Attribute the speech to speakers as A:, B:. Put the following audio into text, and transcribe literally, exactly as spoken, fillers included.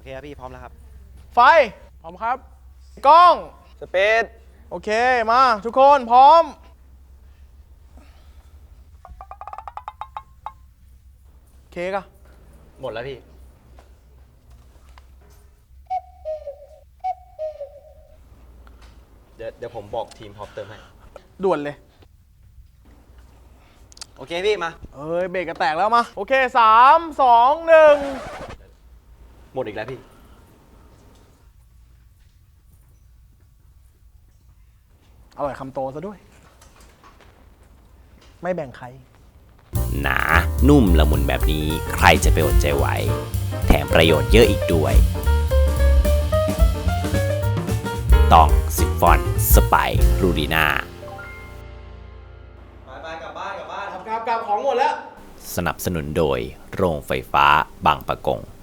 A: เคครับพี่พร้อมแล้วครับ
B: ไฟพร้อมครับกล้อง
C: สเปซ
B: โอเคมาทุกคนพร้อมเค้กอะ
A: หมดแล้วพี่เดี๋ยวเดี๋ยวผมบอกทีมพร้อมเติมให้
B: ด่วนเลย
A: โอเคพี่มา
B: เอ้ยเบรกกระแตกแล้วมาโอเคสามสองหนึ่ง
A: หมดอีกแล้วพี่
B: อร่อยคำโตซะด้วยไม่แบ่งใคร
D: หนานุ่มละมุนแบบนี้ใครจะไปอดใจไหวแถมประโยชน์เยอะอีกด้วยต้องซิฟฟอนสไปรูดีนา
A: ไปไปกลับบ้านกลับบ้าน
B: กลับกลับของหมดแล้ว
D: สนับสนุนโดยโรงไฟฟ้าบางปะกง